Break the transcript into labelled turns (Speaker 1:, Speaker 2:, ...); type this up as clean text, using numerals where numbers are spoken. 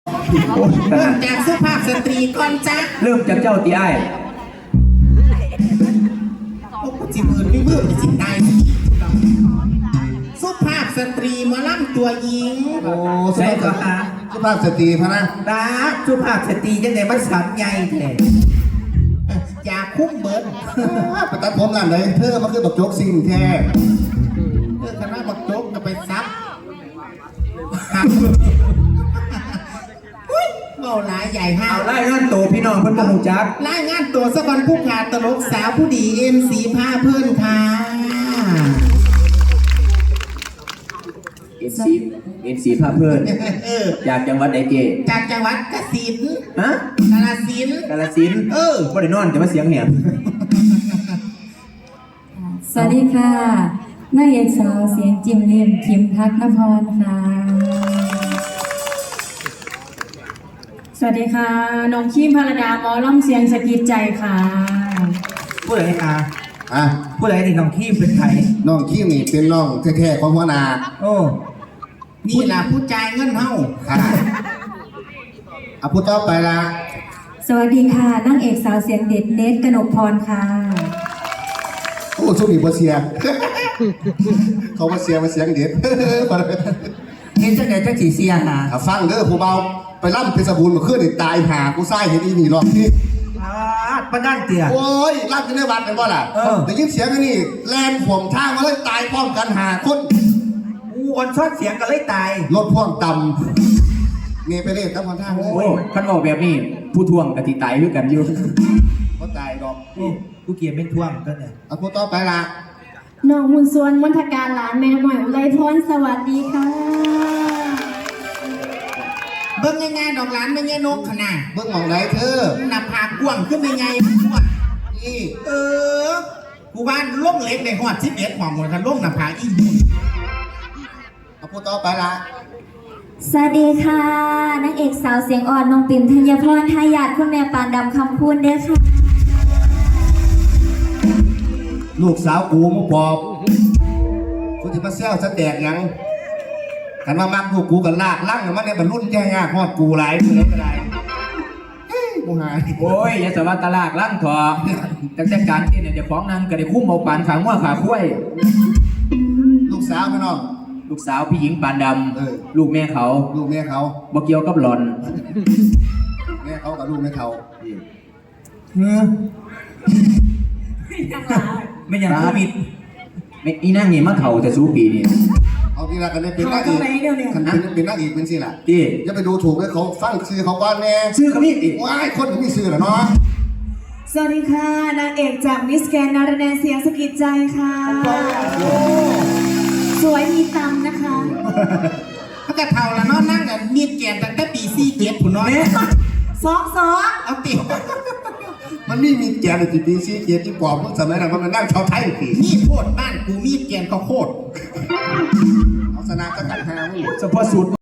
Speaker 1: เริ่มจากสุภาพสตรีก่อนจ้ะ
Speaker 2: เริ่มจากเจ้าตีไอ้
Speaker 1: โอ้จิมือไม่มือจะจิตได้สุภาพสตรีหมาล่ำตัวหญิง
Speaker 3: โอ้
Speaker 2: ใช่ก็หา
Speaker 3: สุภาพสตรีพะนะ
Speaker 2: ดาสุภาพสตรียังไงมันสันใหญ่แท้
Speaker 1: อย่าคุ้มเบิร์ด
Speaker 3: ไปตัดผมร้านไหนเธอมาคือบักโจ๊กซิ่งแท้
Speaker 1: คณะบักโจ๊กจะไปซับเบาหลายใหญ่ห้า
Speaker 2: เอาไล่งานโตพี่น้องเพิ่นบ่ฮู้จัก
Speaker 1: รายงานตัวสะบันผู้ขาดตลกสาวผู้ดีเอ็มสีผ้าเพื่อนค่ะ
Speaker 2: MC พาเพิ่น จากจังหวัดใดเจ
Speaker 1: จากจังหวัดกสิณ
Speaker 2: ฮะ
Speaker 1: กาฬสินธุ์
Speaker 2: กาฬสินธุ์บ่ได้นอนแต่ว่าเสียงแหบ
Speaker 4: สวัสดีค่ะนางเอกสาวเสียงจิมเลียมคิมพักนพรค่ะ
Speaker 5: สวัสดีค่ะน้องคิมพารดาหมอล่ำเสียงสะกิดใจค่ะ
Speaker 2: ผู้ใดอ่ะ
Speaker 3: อ่ะ
Speaker 2: ผู้ใดนี่น้องขี้เป็นไผ
Speaker 3: น้องขี้นี่เป็นน้องแท้ๆของหัวหน้า
Speaker 2: โอ้
Speaker 1: นี่ล่ะผู้จ่ายเงินเฮา
Speaker 3: ค่ะเอาพูดต่อไปละ
Speaker 4: สวัสดีค่ะนางเอกสาวเสียงเด็ดเนตกนกพรค่ะ
Speaker 3: โอ้สู้นี่บ่เสีย เขามาเสียมาเสียงเด็ด
Speaker 2: เฮ็ดจังได๋จังสิเสียหา
Speaker 3: ถ้าฟังเด้อผู้เบาไปล่ำเพชรบูรณ์เมื่อคืนนี่ตายหากูไส้เห็นอีนี่รอบนี้
Speaker 2: ปานนั้นเตี้ย
Speaker 3: โอ้ยล่ำกันในวัดกันบ่ล่ะได้ยินเสียงอันนี่แลนข่วงทางมาเลยตายพร้อมกันหาคน
Speaker 2: อู้อ่อนซ้อนเสียงก็เลยตาย
Speaker 3: รถพ่วงต่ำนี่ไปเล่นกับคนทางเล
Speaker 2: โอ้
Speaker 3: ย
Speaker 2: คันบอกแบบนี้ผู้ทวงก็สิตายคือกันอยู่
Speaker 3: ก็ตายดอก
Speaker 2: กูเกียร์เป็นทวงก็เนี่ย
Speaker 3: เอาพูดต่อไปละ
Speaker 5: น้องมุนส่วนมณฑการหลานแม่หน่อยอุไรพรสวัสดีค่ะ
Speaker 1: เบิ่งง่ายๆดอกหลานไม่ใช่นกขนาด
Speaker 3: เบิ่งหมองไหนเธอ
Speaker 1: หน้าผากกว้างขึ้นไปไงพวก
Speaker 3: นี่
Speaker 1: กูบ้านล่มเล็กในหอด11ของหมดกันล่มหน้าผากอีหุ่น
Speaker 3: เอาพูดต่อไปละ
Speaker 4: สวัสดีค่ะนางเอกสาวเสียงอ่อนน้องปิ่มธัญพรทายาทคุณแม่ปานดำคำพูนเด้อค่ะ
Speaker 3: ลูกสาวกูมึงบอกกูจะมาเซลสแตกยังกันมามักลูกกูกันลากลั่งมันเนี่ยบรรลุนแย่งากฮอดกูหลายมือเลยก็ได้กูหาย
Speaker 2: โอ้ยอย่าสวัสดิ์ตลากลั่งเถอะแต่การเต้นเนี่ยเดี๋ยวของนางก็ได้คุ้มเอาปานขางัวขาคุ้ย
Speaker 3: ลูกสาวพี่น้อง
Speaker 2: ลูกสาวพี่หญิงปานด
Speaker 3: เออ
Speaker 2: ำลูกแม่เขา
Speaker 3: ลูกแม่เขา
Speaker 2: บ่เกี่ยวกับหลอน
Speaker 3: แม่เขากับลูกแม่เขา
Speaker 2: ไม่ยังโควิดไม่อีนั่งนี่มาเถ่าแต่สู้ปีนี่
Speaker 3: เอาทีละกันได้เป็นนักเอกกันเป็นนักเอกเป็นสิล่ะ
Speaker 2: ที่
Speaker 3: อย่าไปดูถูกเลยเขาฟังชื่อเขาก่อนแน่
Speaker 2: ซื้อกับนี่อีก
Speaker 3: ว้ายคนไม่มีชื่อเหรอเนาะ
Speaker 5: สวัสดีค่ะนางเอกจากมิสแกนนารแนเสียงสะกิดใจค่ะ สวยมีตำนะคะ
Speaker 1: เขาจะเท่าละเนาะนั่งกันมีดแกนตั้งแต่ปี47ผู้น้อย
Speaker 5: สอง
Speaker 1: เอาติ
Speaker 3: มันมีแกนในจีพีซีเกียรติปอบสมัยนั้นมันนั่งชาวไทยผี
Speaker 1: มีดโคตรบ้านกูมีดแกนก็โคตร
Speaker 3: เอาสนามสกัดหามึง
Speaker 2: เฉพาะสูตร